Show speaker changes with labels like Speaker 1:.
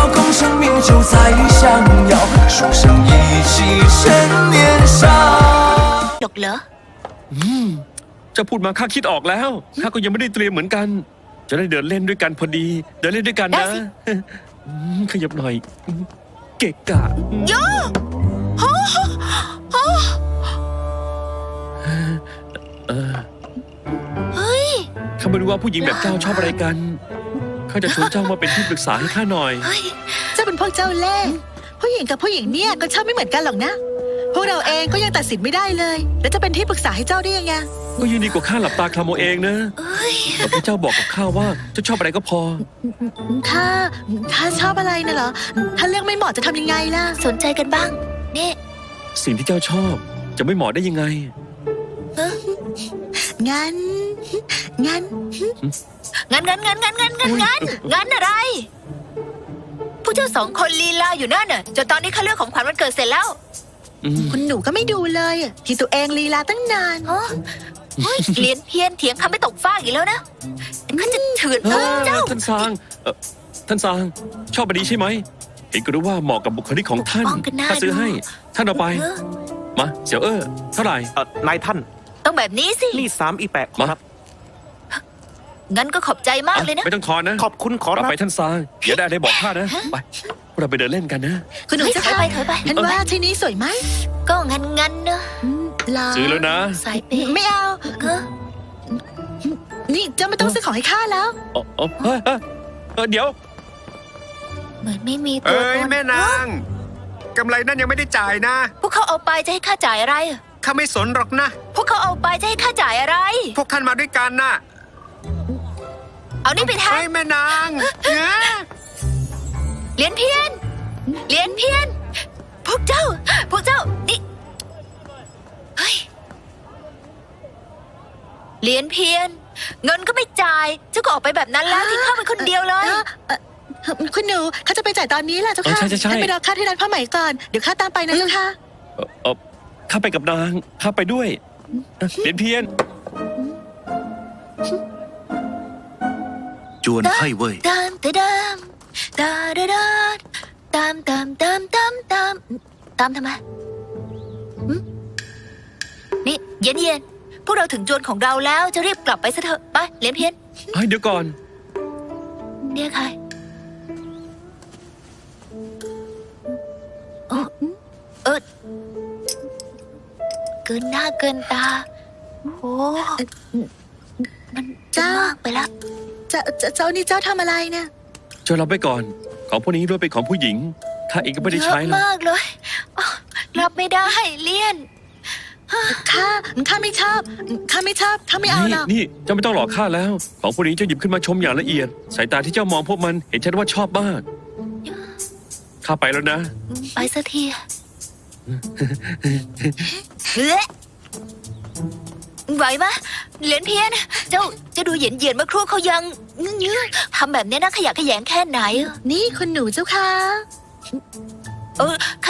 Speaker 1: 空生命就在相邀，书生意气趁年少。
Speaker 2: หรอกเหรอ
Speaker 3: จะพูดมาข้าคิดออกแล้วข้าก็ยังไม่ได้เตรียมเหมือนกัน จะได้เดินเล่นด้วยกันพอดี เดินเล่นด้วยกันนะขยับหน่อยเกะกะ
Speaker 2: โยเฮ้ย
Speaker 3: ข้าไม่รู้ว่าผู้หญิงแบบเจ้าชอบอะไรกันข้าจะชวนเจ้ามาเป็นที่ปรึกษาให้ข้าหน่อย
Speaker 4: เจ้าเป็นพวกเจ้าเล่ห์ผู้หญิงกับผู้หญิงเนี่ยก็ชอบไม่เหมือนกันหรอกนะพวกเราเองก็ยังตัดสินไม่ได้เลยแล้วจะเป็นที่ปรึกษาให้เจ้าได้ยังไง
Speaker 3: ก็ยังดีกว่าข้าหลับตาคลำเอาเองนะแต่พระเจ้าบอกกับข้าว่าเจ้าชอบอะไรก็พอ
Speaker 4: ถ้าชอบอะไรน่ะเหรอถ้าเรื่องไม่เหมาะจะทำยังไงล่ะ
Speaker 2: สนใจกันบ้างนี่
Speaker 3: สิ่งที่เจ้าชอบจะไม่เหมาะได้ยังไง
Speaker 4: งั้น
Speaker 2: อะไรผู้เจ้าสองคนลีลาอยู่นั่นน่ะจนตอนนี้ข้าเลือกของขวัญวันเกิดเสร็จแล้ว
Speaker 4: คุณหนูก็ไม่ดูเลยที่ตัวเองลีลาตั้งนาน
Speaker 2: เลียนเพี้ยนเถียงคำไม่ตกฟากอีกแล้วนะข้าจะเถื่อนเจ้า
Speaker 3: ท่านซางชอบบดีใช่ไหมเห็นก็รู้ว่าเหมาะกับบุคลิกของท่านข้าซื้อให้ท่านเอาไปมาเสี่ยวเท่าไหร่
Speaker 5: นายท่าน
Speaker 2: ต้องแบบนี้สิ
Speaker 5: นี่3 อีแปะครับ
Speaker 2: งั้นก็ขอบใจมากเลยนะ
Speaker 3: ไม่ต้องทอนนะ
Speaker 5: ขอบคุณขอรับ
Speaker 3: ไปท่านซางอย่าได้บอกข้านะไปเราไปเดินเล่นกันนะ
Speaker 4: คุณหนูจะ
Speaker 2: ถอยไป
Speaker 4: ท่านว่าที่นี้สวยไหม
Speaker 2: ก็งั้นเนอะ
Speaker 3: ซื้อแล้วนะ
Speaker 2: สายเปย์
Speaker 4: ไม่เอานี่เจ้าไม่ต้องซื้อของให้ข้าแล้ว
Speaker 3: เดี๋ยว
Speaker 2: เหมือนไม่มีตัวตน
Speaker 5: แม่นางกำไรนั่นยังไม่ได้จ่ายนะ
Speaker 2: พวกเขาเอาไปจะให้ข้าจ่ายอะไร
Speaker 5: ข้าไม่สนหรอกนะ
Speaker 2: พวกเขาเอาไปจะให้ข้าจ่ายอะไร
Speaker 5: พวกท่านมาด้วยกันน่ะ
Speaker 2: เอานี่ไปแทน
Speaker 5: แม่นาง
Speaker 2: เลียนเพี้ยนพวกเจ้านี่เฮ้ยเลียนเพี้ยนเงินก็ไม่จ่ายเจ้าก็ออกไปแบบนั้นแล้วทิ้งข้าไปคนเดียวเลย
Speaker 4: คุณหนูเขาจะไปจ่ายตอนนี้แหละเจ้าค่ะให้ไปรอข้าที่ร้านผ้าไหมก่อนเดี๋ยวข้าตามไปนะเจ้าค่ะ
Speaker 3: ข้าไปกับนางข้าไปด้วยเลียนเพี้ยน
Speaker 1: จวนไพ่เว่ย
Speaker 2: ตามทำไมนี่เย็นพวกเราถึงจวนของเราแล้วจะรีบกลับไปซะเถอะไปเลียนเพี้ยน
Speaker 3: เดี๋ยวก่อน
Speaker 2: เนี่ยใครเกินหน้าเกินตาโอ้มันมากไปแล้ว
Speaker 4: เจ้านี่เจ้าทำอะไรเนี่ย
Speaker 3: เจ้ารับไปก่อนของพวกนี้ด้วยเป็นของผู้หญิงข้าเองก็ไม่ได้ใช้
Speaker 2: แล้วมากเลยรับไม่ได้เลี่ยน
Speaker 4: ข้าไม่ชอบข้าไม่เอาหรอก
Speaker 3: นี่เจ้าไม่ต้องหลอกข้าแล้วของพวกนี้เจ้าหยิบขึ้นมาชมอย่างละเอียดสายตาที่เจ้ามองพวกมันเห็นชัดว่าชอบมากข้าไปแล้วนะ
Speaker 2: ไปสักทีไหวปะเหรียญเพี้ยนเจ้าดูเหยียดเมื่อครู่เขายังทำแบบนี้นะขยะแขยงแค่ไหน
Speaker 4: นี่คุณหนูเจ้าค่ะ